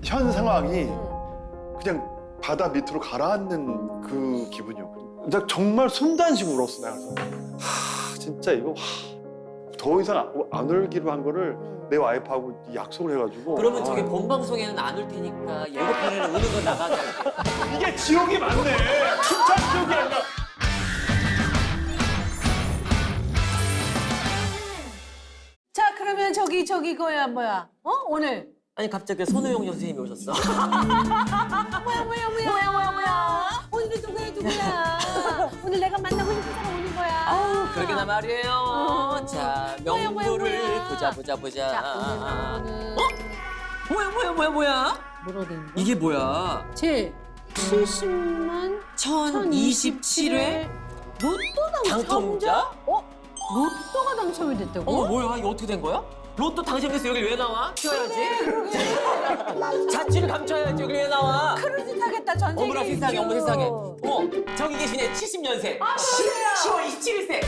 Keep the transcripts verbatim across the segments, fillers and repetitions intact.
현 상황이 그냥 바다 밑으로 가라앉는 그 기분이었거든요. 나 정말 순단식으로 울었어. 내가 그래서 하 진짜 이거 하, 더 이상 안, 안 울기로 한 거를 내 와이프하고 약속을 해가지고. 그러면 저기 아, 본 방송에는 안 올 테니까 예고편에는 우는 거 나가게 할게. 이게 지옥이 맞네. 춘천 지옥이 아니라. 자, 그러면 저기 저기 거야 뭐야? 어? 오늘 아니 갑자기 손호영 선생님이 오셨어. 뭐야 뭐야 뭐야 뭐야 뭐야 뭐야? 오늘은 누구야 누구야? 오늘 내가 만나고 싶은 사람 오는 거야. 아우 그러게나 말이에요. 어. 자 뭐야, 뭐야, 명부를 뭐야. 보자 보자 보자. 자, 오늘은 어? 뭐야 뭐야 뭐야 뭐야? 뭐로 된 거? 이게 뭐야? 제 칠십만 천이십칠 회 로또 당첨자? 어? 로또가 당첨이 됐다고? 어머 뭐야 이거 어떻게 된 거야? 로또 당첨돼서 여기 왜 나와? 튀어야지. 자취를 감춰야지 여기 왜 나와? 크루즈 타겠다 전쟁에. 어머나 세상에 어머 세상에. 어머 저기 계시네 칠십 년생. 아, 시월 이십칠 일생.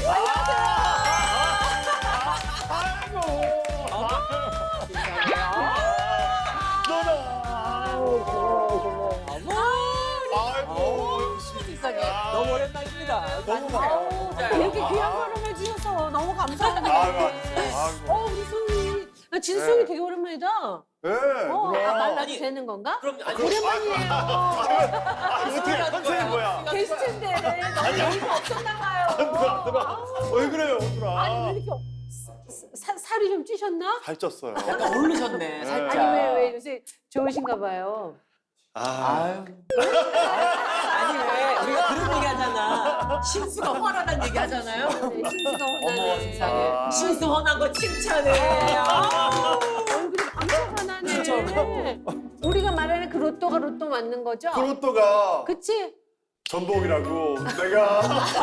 아이고. 세상에 너무 오랜만입니다. 너무 반가워. 이렇게 귀한 걸음을 주셔서 너무 감사합니다. 아이고. 아이고. 어, 우리 손이. 나 진수이 네. 되게 오랜만이다. 네. 어, 누나. 아, 말라도 아니, 되는 건가? 그럼 아니, 오랜만이에요. 아, 어떻게 컨셉이 뭐야? 게스트인데 너무 여유가 없었나 봐요. 누나, 누나. 왜 그래요, 누나? 아니 왜 이렇게 사, 사, 살이 좀 찌셨나? 살쪘어요. 약간 오르셨네 살짝. 아니 왜 왜 요새 좋으신가 봐요. 아, 아유. 아니 왜 우리가 그런 얘기 하잖아. 신수가 훤하다는 얘기 하잖아요. 네, 신수가 어머 훤하네. 세상에. 아. 신수 훤한 거 칭찬해. 아. 얼굴이 엄청 훤하네. 진짜로. 우리가 말하는 그 로또가 로또 맞는 거죠? 그 로또가 그치? 전복이라고 내가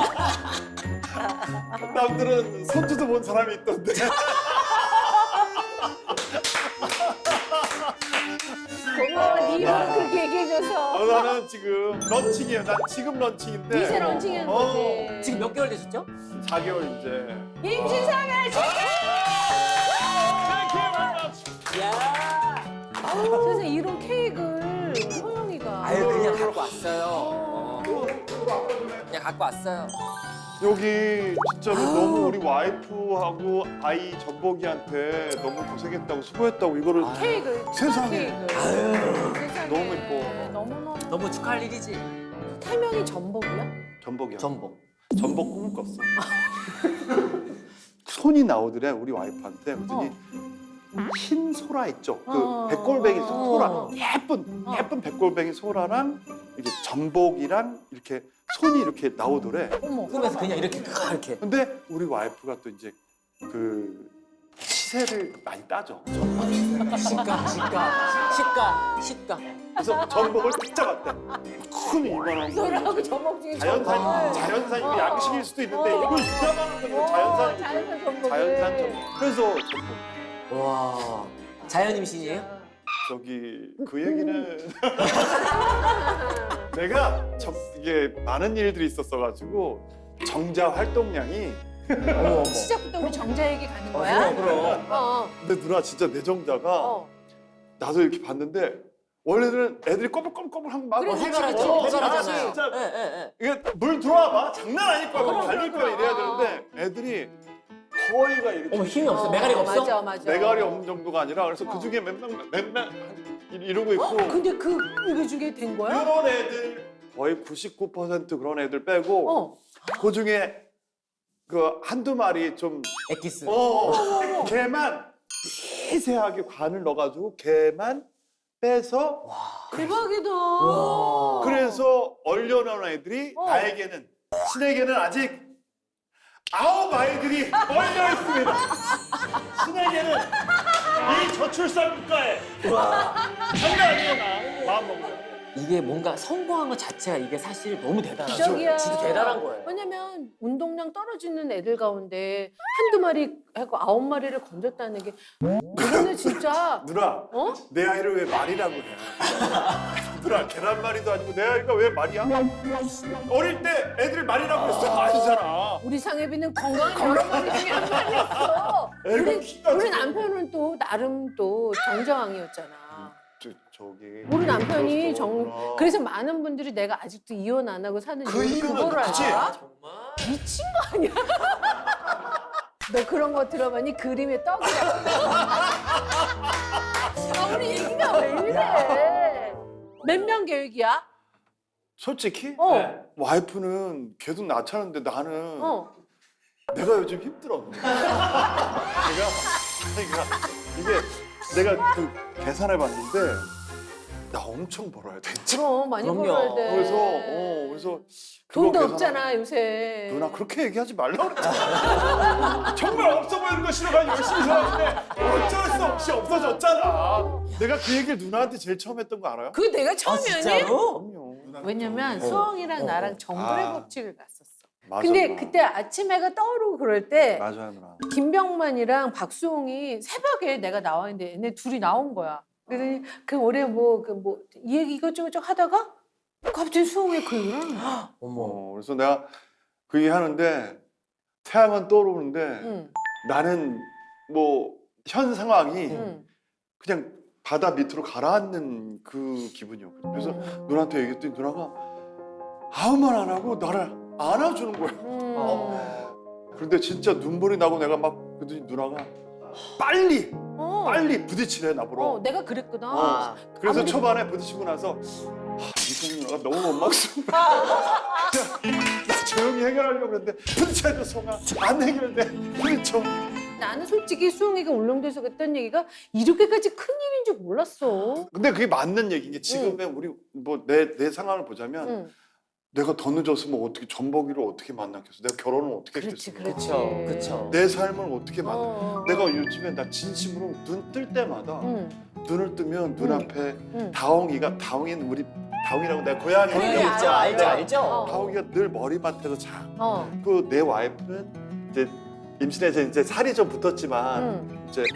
남들은 손주도 본 사람이 있던데. 고마워. 네 이름 그렇게 얘기해줘서. 어, 나는 지금 런칭이에요. 난 지금 런칭인데. 이제 런칭한 어, 거지. 지금 몇 개월 되셨죠? 사 개월 이제. 임신 사 개월 야. 그래서 이런 케이크를 소영이가. 아유 그냥 갖고 왔어요. 어. 그냥 갖고 왔어요. 여기 진짜로 너무 우리 와이프하고 아이 전복이한테 너무 고생했다고 수고했다고 이거를 케이크. 세상에. 케이크. 세상에. 너무 예뻐. 너무너무. 너무 축하할 일이지. 태명이 전복이야? 전복이야. 전복. 전복 꿈을 꿨어. 손이 나오더래 우리 와이프한테. 그랬더니 흰 소라 있죠. 그 어. 백골뱅이 소라. 어. 예쁜 어. 예쁜 백골뱅이 소라랑 이렇게 전복이랑 이렇게 손이 이렇게 나오더래. 어머. 꿈에서 그냥 이렇게 크 이렇게. 근데 우리 와이프가 또 이제 그 시세를 많이 따져. 시가 시가 시가 시가. 그래서 전복을 딱 잡았대. 큰 이만한 거. 소라하고 전복 중에 자연산 전복을. 자연산 이게 어. 양식일 수도 있는데 어. 이거 이만한 건 어, 자연산 자연산 전복을. 자연산 전복. 그래서 전복. 와. 자연 임신이에요? 저기 그 얘기는 내가 참 이게 많은 일들이 있었어가지고 정자 활동량이 어머 어머. 시작부터 우리 정자 얘기 가는 어, 거야? 그럼 그럼. 어. 근데 누나 진짜 내 정자가 어. 나도 이렇게 봤는데 원래는 애들이 꼬불꼬불꼬불한 막 그래, 어, 해바라지 어, 해바라잖아요. 진짜 예, 예, 예. 이게 물 들어와 봐 장난 아닐 거야 그럼, 달릴 그럼, 거야 이래야 그럼. 되는데 애들이 거의가 이렇게 어머 힘이 없어. 메가리가 없어? 맞아, 맞아. 메가리 없는 정도가 아니라 그래서 어. 그 중에 몇명 몇명 이러고 있고 근데 그 이거 중에 된 거야? 이런 애들 거의 구십구 퍼센트 그런 애들 빼고 어. 그 중에 그 한두 마리 좀 엑기스. 어, 걔만 미세하게 관을 넣어가지고 걔만 빼서 대박이다. 와. 그래서 얼려놓은 애들이 어. 나에게는 신에게는 아직 아홉 아이들이 얼려 있습니다. 신에게는 이 저출산 국가에 장난 아니에요 나 마음 먹고. 이게 뭔가 성공한 것 자체가 이게 사실 너무 대단하죠. 기적이야. 진짜 대단한 거예요. 왜냐면 운동량 떨어지는 애들 가운데 한두 마리 하고 아홉 마리를 건졌다는 게 이거는 진짜 누나 어? 내 아이를 왜 말이라고 해? 누나 계란말이도 아니고 내 아이가 왜 말이야? 어릴 때 애들이 말이라고 했어 아니잖아. 우리 상혜비는 건강한 여러 마리 중에 한 마리였어. 애가 우리, 키가 우리 지금- 남편은 또 나름 또 정정왕이었잖아. 저, 저기 우리 남편이 그랬어. 정 누나. 그래서 많은 분들이 내가 아직도 이혼 안 하고 사는 그 이유를 이유는 그거를 그치? 알아? 정말. 미친 거 아니야? 너 그런 거 들어봤니? 그림의 떡이야. 아, 우리 얘기가 왜 이래? 몇 명 계획이야? 솔직히 어. 네. 와이프는 계속 낳자는데 나는 어. 내가 요즘 힘들어. 내가 그러니까 이게 내가 그 계산해 봤는데 나 엄청 벌어야 돼. 진짜. 그럼 많이 그럼요. 벌어야 돼. 그래서 어 그래서 그거 돈도 계산하- 없잖아 요새. 누나 그렇게 얘기하지 말라고 그랬잖아. 정말 없어 보이는 거 싫어가 열심히 살았는데 어쩔 수 없이 없어졌잖아. 내가 그 얘기를 누나한테 제일 처음 했던 거 알아요? 그게 내가 아, 처음이었니? 진짜로? 그럼요. 왜냐면 어. 수홍이랑 어, 나랑 어. 정글의 아. 법칙을 갔었어. 맞아, 근데 누나. 그때 아침 해가 떠오르고 그럴 때 맞아요 누나. 김병만이랑 박수홍이 새벽에 내가 나와 있는데 얘네 둘이 나온 거야. 그러더니 그 올해 뭐 그 뭐 이 얘기 이것저것 하다가 갑자기 수홍이 그 얘기를 하는 거야. 어머. 어, 그래서 내가 그 얘기 하는데 태양은 떠오르는데 응, 나는 뭐 현 상황이 응. 그냥 바다 밑으로 가라앉는 그 기분이었거든. 그래서 음. 누나한테 얘기했더니 누나가 아무 말 안 하고 나를 안아주는 거야. 음. 어. 그런데 진짜 눈물이 나고 내가 막 그랬더니 누나가 빨리 어. 빨리 부딪히래 나보러. 어, 내가 그랬구나. 아. 그래서 아무리- 초반에 부딪히고 나서 아, 이승 누나가 너무 원망스러워. 나 조용히 해결하려고 그랬는데 부딪혀도 송아 안 해결돼. 부딪혀. 나는 솔직히 수홍이가 울릉도에서 그랬던 얘기가 이렇게까지 큰 일인 줄 몰랐어. 근데 그게 맞는 얘기인 게 지금의 우리 뭐 내 내 상황을 보자면 응. 내가 더 늦었으면 어떻게 전복이를 어떻게 만났겠어? 내가 결혼을 어떻게 그렇지, 했겠어? 그렇지. 그쵸, 그쵸. 내 삶을 어떻게 만나? 어. 내가 요즘에 나 진심으로 눈 뜰 때마다 응, 눈을 뜨면 눈앞에 응. 다홍이가 다홍이는 우리 다홍이라고 내가 고양이 그래, 고양이 있죠, 알아, 알죠, 알아. 알죠. 어. 다홍이가 늘 머리맡에서 자. 어. 그 내 와이프는 이제 임신해서 이제 살이 좀 붙었지만 응. 이제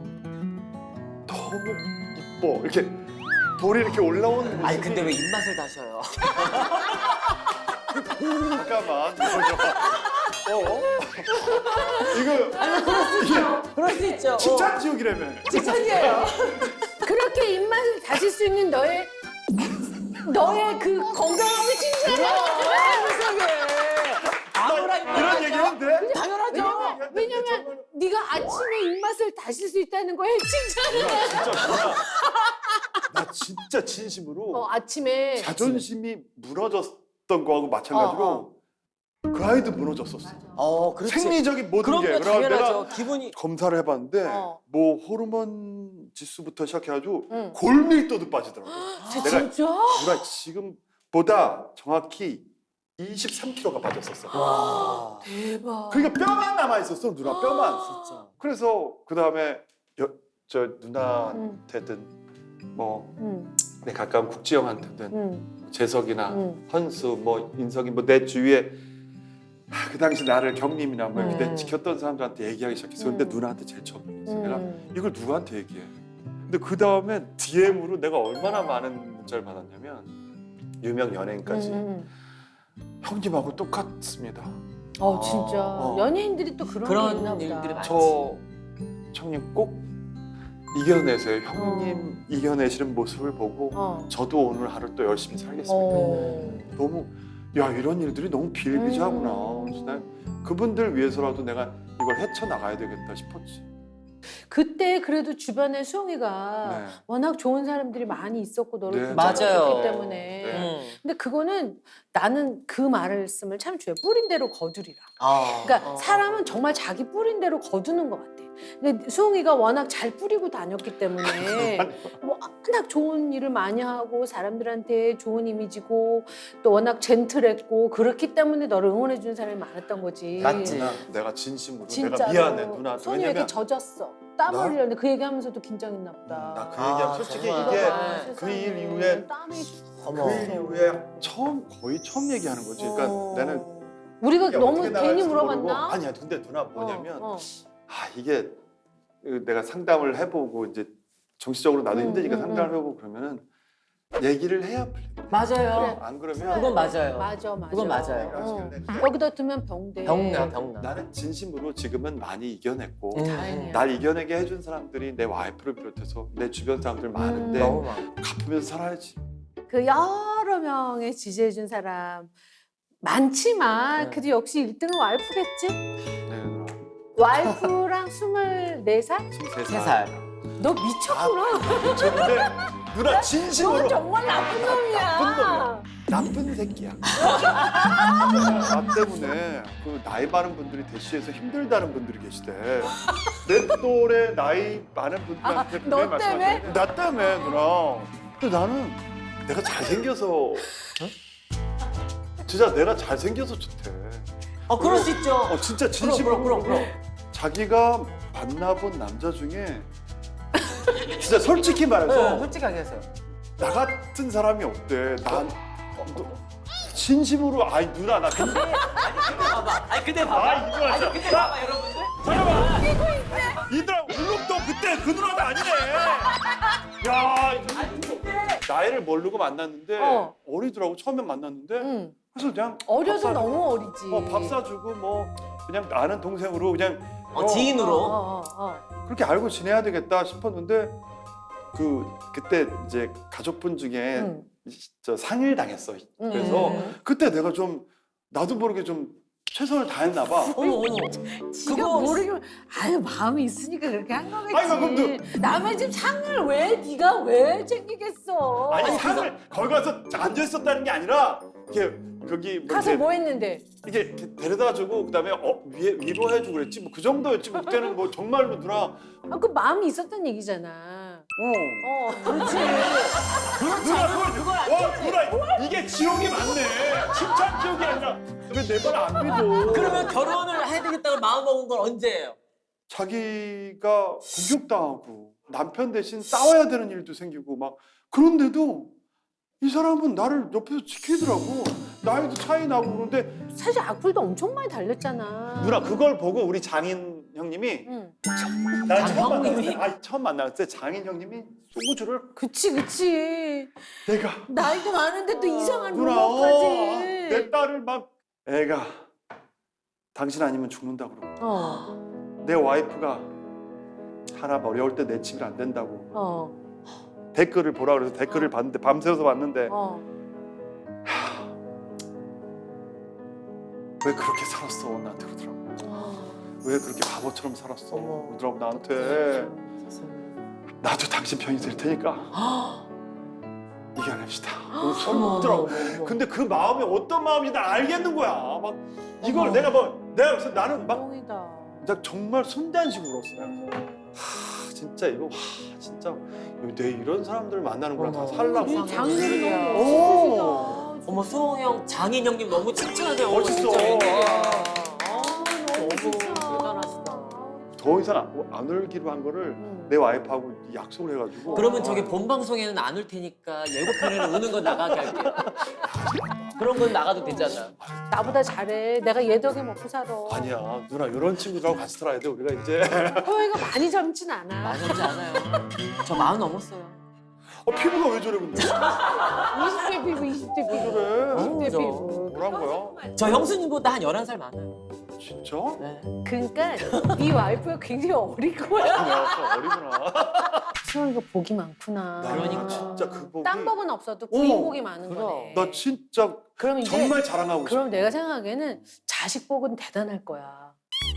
너무 이뻐 이렇게 볼이 이렇게 올라오는 모습이. 아니 근데 왜 입맛을 다셔요? 잠깐만 이거 좀. 어? 이거 그럴 수 있죠. 칭찬 지옥이라며. 지천이에요. 그렇게 입맛을 다실 수 있는 너의 너의 그 건강함을 칭찬해. 아무나 이런 얘기는 돼? 당연하죠. 왜냐면 왜냐면 네가 아침에 입맛을 다실 수 있다는 거에 칭찬을 해. 진짜 누나, 나 진짜 진심으로 어, 아침에 자존심이 무너졌던 거하고 마찬가지로 어, 그 아이도 무너졌었어. 어, 그렇지. 생리적인 모든 그럼요, 게. 그래서 당연하죠. 내가 기분이. 검사를 해봤는데 어. 뭐 호르몬 지수부터 시작해가지고 응. 골밀도도 빠지더라고. 내가 진짜? 누나 지금보다 정확히 이십삼 킬로그램가 빠졌었어. 와. 대박. 그러니까 뼈만 남아 있었어 누나 뼈만. 진짜. 그래서 그 다음에 저 응. 누나한테든 뭐 응. 내 가까운 국지영한테든 응. 재석이나 응. 헌수 뭐 인석이 뭐 내 주위에 아, 그 당시 나를 경림이나 뭐 이렇게 음. 지켰던 사람들한테 얘기하기 시작했어. 근데 음. 누나한테 제일 처음 얘기했어. 내가 응. 이걸 누구한테 얘기해? 근데 그 다음에 디엠으로 내가 얼마나 많은 문자를 받았냐면 유명 연예인까지 응. 형님하고 똑같습니다. 어 진짜 어. 연예인들이 또 그런, 그런 게 있나 보다. 일들이 많지. 저 형님 꼭 이겨내세요. 형님 이겨내시는 모습을 보고 어. 저도 오늘 하루 또 열심히 살겠습니다. 어. 너무 야 이런 일들이 너무 비일비재하구나. 음. 그래서 난 그분들 위해서라도 내가 이걸 헤쳐나가야 되겠다 싶었지. 그때 그래도 주변에 수홍이가 네. 워낙 좋은 사람들이 많이 있었고 너를 네. 맞아요. 붙잡았기 때문에. 네. 음. 근데 그거는 나는 그 말씀을 참 좋아해. 뿌린 대로 거두리라. 아. 그러니까 어. 사람은 정말 자기 뿌린 대로 거두는 것 같아. 근데 수홍이가 워낙 잘 뿌리고 다녔기 때문에 뭐 워낙 좋은 일을 많이 하고 사람들한테 좋은 이미지고 또 워낙 젠틀했고 그렇기 때문에 너를 응원해 주는 사람이 많았던 거지. 맞지. 누나 내가 진심으로 진짜로. 내가 미안해 누나한테. 손이 왜 왜냐면 이렇게 젖었어. 땀 나? 흘리는데 그 얘기하면서도 긴장했나 보다. 나 그 아, 얘기하면 솔직히 정말. 이게 네. 그 일 이후에 땀이 어머. 그 일 이후에 처음 거의 처음 얘기하는 거지. 그러니까 어. 나는 우리가 이게 너무 어떻게 괜히 나갈지도 모르고. 물어봤나? 아니야. 근데 누나 뭐냐면 어, 어. 아 이게 내가 상담을 해보고 이제 정신적으로 나도 음, 힘드니까 음, 상담을 음. 해보고 그러면은 얘기를 해야 풀려. 맞아요. 안 그러면 그건 맞아요. 맞아, 맞아. 그건 맞아요. 어. 여기다 두면 병돼. 병나 병나. 나는 진심으로 지금은 많이 이겨냈고 음. 다행이야. 날 이겨내게 해준 사람들이 내 와이프를 비롯해서 내 주변 사람들 많은데 너무 많아. 갚으면서 살아야지. 그 여러 명의 지지해준 사람 많지만 네. 그래도 역시 일 등은 와이프겠지? 네, 누나. 와이프랑 스물네 살? 스물세 세 살. 너 미쳤구나. 미쳤는데 누나 넌 진심으로 정말 나쁜 놈이야. 나쁜 놈이야. 나쁜 새끼야. 나 때문에 그 나이 많은 분들이 대시해서 힘들다는 분들이 계시대. 내 또래 나이 많은 분들한테 아, 너 때문에? 말씀하시는데 나 때문에 누나. 근데 나는 내가 잘생겨서 진짜 내가 잘생겨서 좋대. 어 그럴 수 있죠. 어 진짜 진심으로 그럼, 그럼, 그럼. 자기가 만나본 남자 중에 진짜 솔직히 말해서 네, 솔직하게 하세요. 나 같은 사람이 없대. 난 너, 진심으로 아이 누나 나 근데 봐봐. 아니 근데 봐봐. 아 이거 아니 진짜 근데 나 봐봐 여러분들. 잠깐만 이들아 울릉도 그때 그 누나가 아니네. 야 아니 근데 나이를 모르고 만났는데 어. 어리더라고 처음에 만났는데 응. 그래서 그냥 어려도 밥 사- 너무 어리지. 어, 밥 사주고 뭐 그냥 아는 동생으로 그냥 어, 어, 지인으로. 어, 어, 어. 그렇게 알고 지내야 되겠다 싶었는데 그 그때 이제 가족분 중에 응. 저 상일 당했어. 응. 그래서 음. 그때 내가 좀 나도 모르게 좀 최선을 다했나 봐. 어머 어머. 지가 그거- 모르기만 아유 마음이 있으니까 그렇게 한 거겠지. 아니, 그럼 남의 집 상을 왜 네가 왜 챙기겠어? 아니 아니, 상을 거기 가서 앉아 있었다는 게 아니라 이렇게 거기 뭐 가서 이렇게 뭐 했는데? 이게 이렇게 데려다 주고 그다음에 어 위에 위로해 주고 그랬지 뭐 그 정도였지 뭐 그때는 뭐 정말로 누나 아, 그 마음이 있었던 얘기잖아. 어 어, 그렇지. 누나 그걸 와 누나 이게 지옥이 맞네 칭찬 지옥이 아니라 왜 내 말 안 믿어? 그러면 결혼을 해야 되겠다고 마음 먹은 건 언제예요? 자기가 공격당하고 남편 대신 싸워야 되는 일도 생기고 막 그런데도 이 사람은 나를 옆에서 지키더라고. 나이도 차이 나고 그런데 사실 악플도 엄청 많이 달렸잖아. 누나 그걸 보고 우리 장인 형님이 응. 나 처음 형님이? 만났을 때, 아 처음 만났을 때 장인 형님이 소주를 그치, 그치. 내가 나이도 많은데 또 이상한 누나 어, 내 루머까지. 딸을 막 애가 당신 아니면 죽는다 그러고 어, 내 와이프가 하나 어려울 때 내 집이 안 된다고 어, 댓글을 보라 그래서 댓글을 어. 봤는데 밤새워서 봤는데 어. 왜 그렇게 살았어 나한테 그러더라고. 왜 그렇게 바보처럼 살았어 어머. 그러더라고 나한테. 나도 당신 편이 될 테니까 이겨냅시다. 너무 서럽더라고. 근데 그 마음이 어떤 마음인지 난 알겠는 거야. 막 이걸 어머. 내가 뭐 내가 그래서 나는 막 뻥이다. 나 정말 손단식 울었어. 하 진짜 이거 하 진짜 내 이런 사람들 만나는 거랑 다 어머. 살라고. 우리 장인어른 너무 오. 멋있으시다. 어머 수홍 형, 장인 형님 너무 칭찬해요. 멋있어. 진짜 웬일이야. 아, 너무 너무 진짜. 대단하시다. 더 이상 안, 안 울기로 한 거를 응. 내 와이프하고 약속을 해가지고. 그러면 저기 본 방송에는 안 울 테니까 예고편에는 우는 건 나가게 할게요. 그런 건 나가도 되잖아. 나보다 잘해. 내가 얘 덕에 먹고 살아. 아니야 누나 이런 친구들하고 같이 살아야 돼 우리가 이제. 허애가 많이 젊진 않아. 많지 않아요. 저 마흔 넘었어요. 어 피부가 왜 저래 근데? 이십 대 피부, 이십 대 왜 피부. 저래? 이십 대 저- 피부. 뭐란 거야? 저 형수님보다 한 열한 살 많아요. 진짜? 네. 그러니까 네 와이프가 굉장히 어릴 거야. 야, 어리구나. 수영이가 복이 많구나. 나는 그러니까. 진짜 그 복이. 딴 법은 없어도 어, 부인 복이 많은 그럼. 거네. 나 진짜 그럼 이제 정말 자랑하고 싶어. 그럼 내가 생각하기에는 자식 복은 대단할 거야.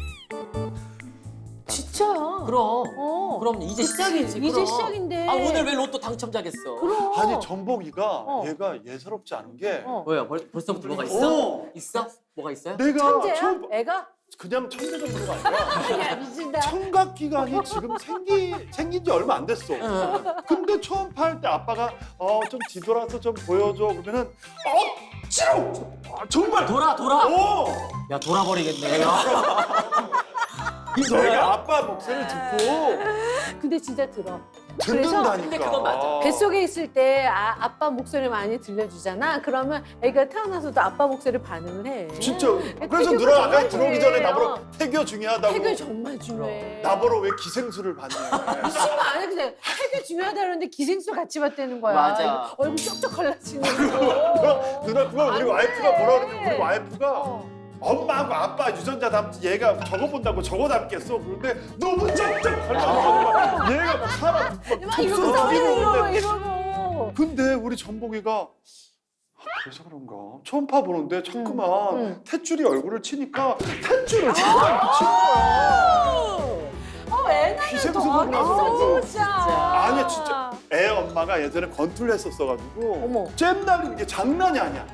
진짜야. 그럼. 어. 그럼 이제 그치? 시작이지. 이제 그럼. 시작인데. 아 오늘 왜 로또 당첨자겠어? 그럼. 아니 전복이가 어. 얘가 예사롭지 않은 게. 어. 뭐야? 벌, 벌써부터 뭐가 있어? 어. 있어? 뭐가 있어요? 내가 천재야? 처음 애가? 그냥 천재 정도가 아니라 야 미친다. 청각 기관이 지금 생기 생긴 지 얼마 안 됐어. 응. 근데 처음 팔 때 아빠가 어 좀 뒤돌아서 좀 보여줘 그러면은 억지로 아, 정말 돌아 돌아. 어 야 돌아버리겠네. 야. 내가 아빠 목소리를 듣고 근데 진짜 들어. 듣는다니까. 근데 그건 맞아. 뱃속에 있을 때 아, 아빠 목소리 많이 들려주잖아. 그러면 애가 태어나서도 아빠 목소리 반응을 해. 진짜. 그래서 태교가 누나 아까 정말 들어오기 전에 중요해요. 나보러 태교 중요하다고. 태교 정말 중요해. 나보러 왜 기생수를 봤냐. 미친 거 아니야. 그냥 태교 중요하다 그러는데 기생수 같이 봤다는 거야. 맞아. 얼굴 쩍쩍 갈라지는 거. 누나 그걸 우리 안 와이프가 돼. 뭐라 그러는데 우리 와이프가 어. 엄마하고 아빠 유전자 닮지 얘가 저거 본다고 저거 닮겠어. 그런데 너무 쩍쩍 닮아서 얘가 막 사람 막 막 이러고 독서로 이러고 뛰고 이러고. 근데 우리 전복이가 아, 그래서 그런가 처음 파보는데 자꾸만 응, 응. 탯줄이 얼굴을 치니까 탯줄을 자꾸만 이렇게 치는 거야. 어, 애 낳으면 기생수 더 보고 나서 어딨어, 그런가. 진짜. 아니야 진짜 애 엄마가 예전에 권투를 했었어가지고 어머. 잼 날리는 게 장난이 아니야.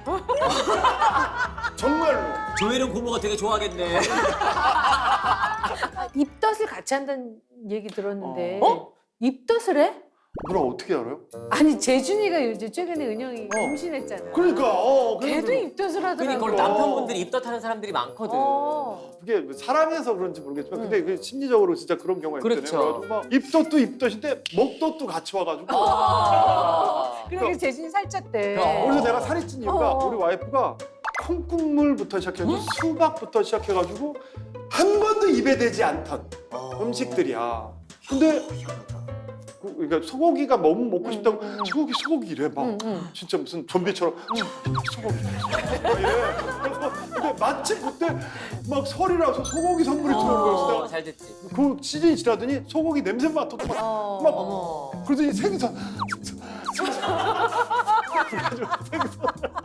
정말로. 조혜련 고모가 되게 좋아하겠네. 입덧을 같이 한다는 얘기 들었는데 어? 입덧을 해? 누나 어떻게 알아요? 아니 재준이가 요즘 최근에 은영이 어. 임신했잖아. 그러니까 어 그래서 걔도 입덧을 하더라고. 그러니까 그걸 남편분들이 입덧하는 사람들이 많거든. 어. 그게 사랑해서 그런지 모르겠지만 응. 근데 그 심리적으로 진짜 그런 경우가 있잖아요. 그렇죠. 그래가지고 막 입덧도 입덧인데 목덧도 같이 와가지고 아. 그러니까 재준이 살쪘대. 그럼. 그래서 내가 살이 찐 이유가 어. 우리 와이프가 콩국물부터 시작해서 수박부터 시작해가지고 한 번도 입에 대지 않던 음식들이야. 근데 그- 그러니까 소고기가 너무 먹고 싶다고 응, 응, 응. 소고기 소고기 이래 막 응, 응. 진짜 무슨 좀비처럼 소고기 막 이래. 그래서 근데 마침 그때 막 설이라서 소고기 선물이 들어온 거였어. 어, 내가 잘 됐지. 그 시즌이 지나더니 소고기 냄새 맡아도 막, 어. 막 어머. 그러더니 생선 생선 그래가지고 생선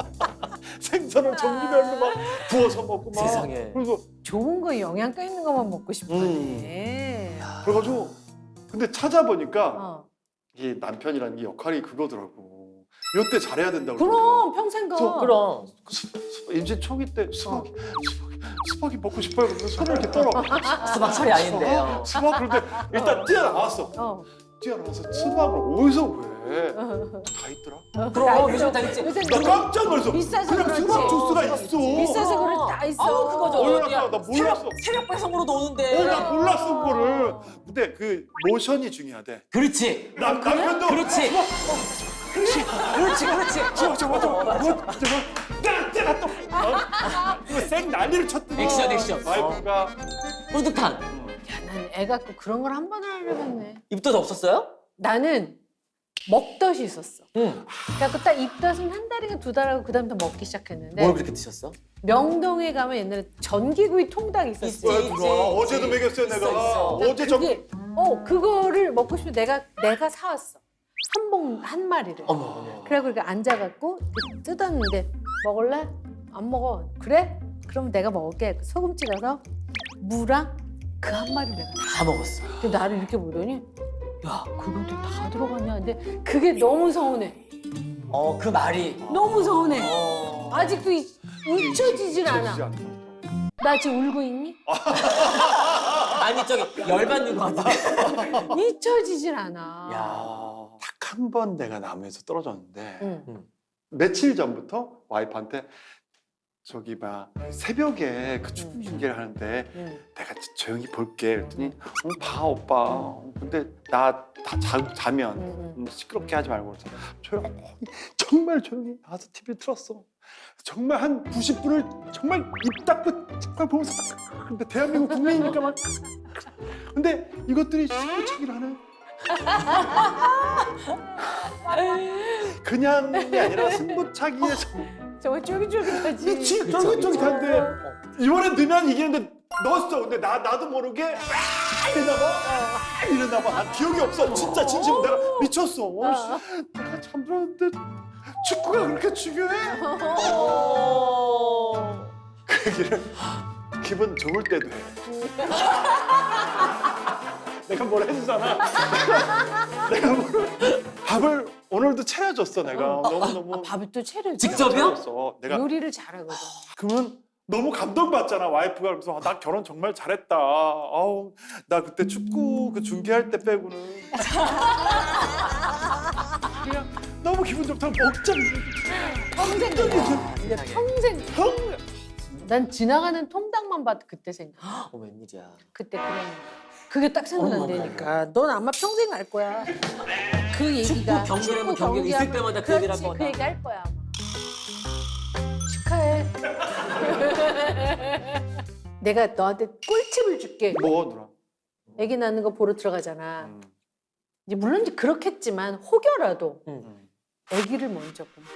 생선을 종류별로 막 구워서 먹고 막 세상에. 그래서 좋은 거 영양가 있는 것만 먹고 싶어하네. 그래가지고 근데 찾아보니까 어. 이 남편이라는 게 역할이 그거더라고. 이때 잘해야 된다고. 그럼 평생 가. 저- 그럼. 수, 수, 임신 초기 때 수박이 수박이 수박이 먹고 싶어요. 그래서 손을 이렇게 떨어. 수박 철이 아닌데요. 수박, 수박 그런데 일단 뛰어나왔어. 어. 뛰어나와서 수박을 어디서 왜? 다 있더라. 그럼 요즘 다 있지. 요새 나 깜짝 놀랐어. 비싸서 그냥 그렇지. 수박 주스가 있어. 비싸서 그렇지 다 있어. 아우 그거죠. 어, 어디야. 나 몰랐어. 새벽, 새벽 배송으로도 오는데. 어, 나 몰랐어 그거를. 근데 그 모션이 중요하대. 그렇지. 남 남편도 그렇지. 그렇지. 그렇지. 그렇지. 저 저거 저거 저거 때라 때라 또. 어? 이거 생 난리를 쳤더니 액션, 액션. 와이프가 뿌듯한. 야, 난 애 갖고 그런 걸 한 번을 하려고 했네. 입덧 없었어요? 나는 먹덧이 있었어. 응. 그래갖고 딱 입덧은 한 달인가 두 달하고 그다음부터 먹기 시작했는데 뭘 그렇게 드셨어? 명동에 가면 옛날에 전기구이 통닭 있었어. 있지. 왜 누가 어제도 먹였어요 내가. 있어, 있어. 어제 저 그게 어 그거를 먹고 싶으면 내가 내가 사왔어. 한 봉 한 마리를. 어머 어머. 그래갖고 이렇게 앉아갖고 뜯었는데 먹을래? 안 먹어. 그래? 그럼 내가 먹을게. 소금 찍어서 무랑 그 한 마리를 내가 다. 다 먹었어. 근데 나를 이렇게 보더니 야 그것도 다 들어갔냐. 근데 그게 너무 서운해. 어 그 말이. 너무 서운해. 어. 아직도 이- 잊혀지질 않아. 잊혀지지 않아. 나 지금 울고 있니? 아니 저기 열받는 거 같아. 잊혀지질 않아. 야. 딱 한 번 내가 나무에서 떨어졌는데 응. 며칠 전부터 와이프한테 저기 막 새벽에 그 춤 음. 중계를 하는데 응. 내가 조용히 볼게 그랬더니 응, 봐 오빠 근데 나 다 자면 응. 음, 시끄럽게 하지 말고 그래서 조용히 정말 조용히 나와서 티비를 틀었어 정말 한 구십 분을 정말 입 닫고 정말 보면서 딱 근데 대한민국 국민이니까 막 근데 이것들이 승부차기를 하네 그냥이 아니라 승부차기에 정말 쫄깃쫄깃하지. 미치 그쵸, 쫄깃쫄깃한데 어. 이번에 넣으면 이기는데 넣었어. 근데 나 나도 모르게 와 이러나 봐. 와 이러나 봐. 난 기억이 없어. 진짜 진심 내가 미쳤어. 어, 씨, 내가 잠들었는데 축구가 그렇게 중요해? 어. 그 얘기를 기분 좋을 때도 해. 내가 뭘 해주잖아. 내가 뭘 밥을 오늘도 차려줬어. 내가 너무 너무 아, 밥을 또 차려줘. 직접이요? 차렸어. 내가 요리를 잘하거든. 그러면 너무 감동받잖아 와이프가 그래서 아, 나 결혼 정말 잘했다. 아우 나 그때 축구 그 중계할 때 빼고는 그냥 너무 기분 좋다고 먹자. 평생 그래. 근데 평생 형 난 지나가는 통닭만 봐도 그때 생각. 어 웬일이야. 그때 그런 그게 딱 생각난다니까. 넌 아마 평생 갈 거야. 그 얘기가. 축구 경기라면 축구 경기 있을 경기하면 때마다 그 얘기를 할 그렇지, 거다. 그 얘기 할 거야 아마. 축하해. 내가 너한테 꿀팁을 줄게. 뭐 누나? 아기 낳는 거 보러 들어가잖아. 음. 이제 물론 이제 그렇겠지만 혹여라도 응. 아기를 먼저 봐.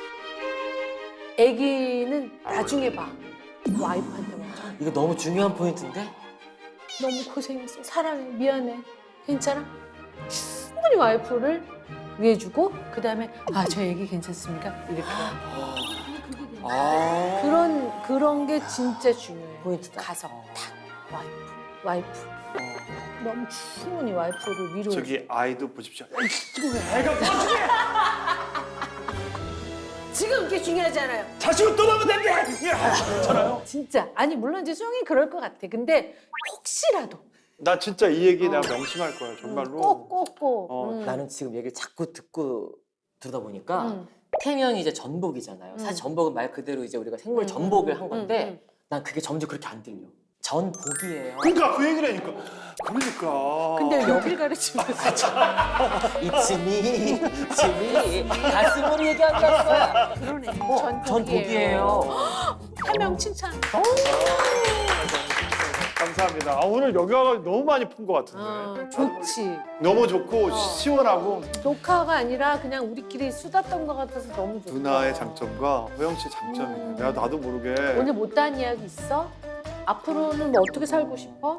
아기는 나중에 봐. 와이프한테 먼저. 이거 너무 중요한 포인트인데? 너무 고생했어. 사랑해. 미안해. 괜찮아? 충분히 와이프를 위해주고 그 다음에 아, 저 얘기 괜찮습니까? 이렇게. 아. 그런 그런 게 진짜 중요해. 포인트다. 가서 어. 탁 와이프, 와이프. 너무 충분히 와이프를 위로해. 저기 아이도 보십시오. 야, 지금 왜 애가 지금 그게 중요하잖아요. 자식을 떠나면 된대. 괜찮아요? 진짜. 아니 물론 이제 수영이 그럴 것 같아. 근데 혹시라도 나 진짜 이 얘기 내가 명심할 거야 정말로. 꼭꼭꼭. 어, 음. 나는 지금 얘기를 자꾸 듣고 들다 보니까 음. 태명이 이제 전복이잖아요. 사실 음. 전복은 말 그대로 이제 우리가 생물 음, 전복을 음, 한 건데 음, 난 그게 점점 그렇게 안 들려. 전복이에요. 그러니까 그 얘기를 하니까. 그러니까. 근데 여길 가르치면서 이츠미, 이츠미 가슴으로 얘기한다는 거야. 그러네. 어, 전복이에요. 한명 칭찬. 감사합니다. 아, 오늘 여기 와서 너무 많이 푼 것 같은데. 어, 좋지. 너무 좋고 어. 시원하고 녹화가 아니라 그냥 우리끼리 수다 떤 것 같아서 너무 좋다. 누나의 장점과 호영 씨의 장점이네. 음. 내가 나도 모르게 오늘 못다한 이야기 있어? 앞으로는 뭐 어떻게 살고 싶어?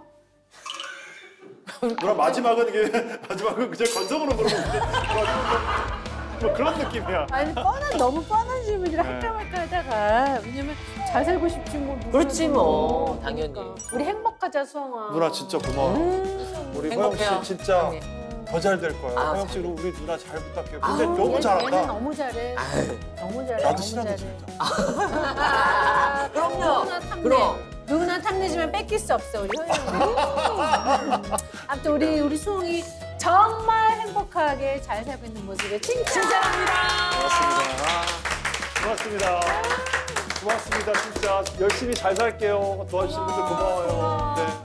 누나 마지막은 이게 마지막은 그냥 건성으로 물어보는데 뭐 그런 느낌이야. 아니 뻔한 너무 뻔한 질문이라 네. 할까 말까 하다가 왜냐면 잘 살고 싶지 뭐. 누구나 그렇지 뭐, 그러니까. 당연히. 우리 행복하자 수영아. 누나 진짜 고마워. 음, 우리 호영 행복해요. 씨 진짜 언니. 더 잘 될 거야. 아, 호영 씨 잘 우리 누나 잘 부탁해요. 아우, 근데 너무 얘- 잘한다. 얘는 너무 잘해. 아유, 너무 잘해. 나도 너무 싫어하는데 잘해. 진짜. 아, 그럼요. 누구나 탐내. 그럼. 누구나 탐내지만 뺏길 수 없어 우리 호영이. 아무튼 우리 우리 수홍이 정말 행복하게 잘 살고 있는 모습에 칭찬합니다. 고맙습니다. 고맙습니다. 고맙습니다. 진짜 열심히 잘 살게요. 도와주신 분들 고마워요. 네.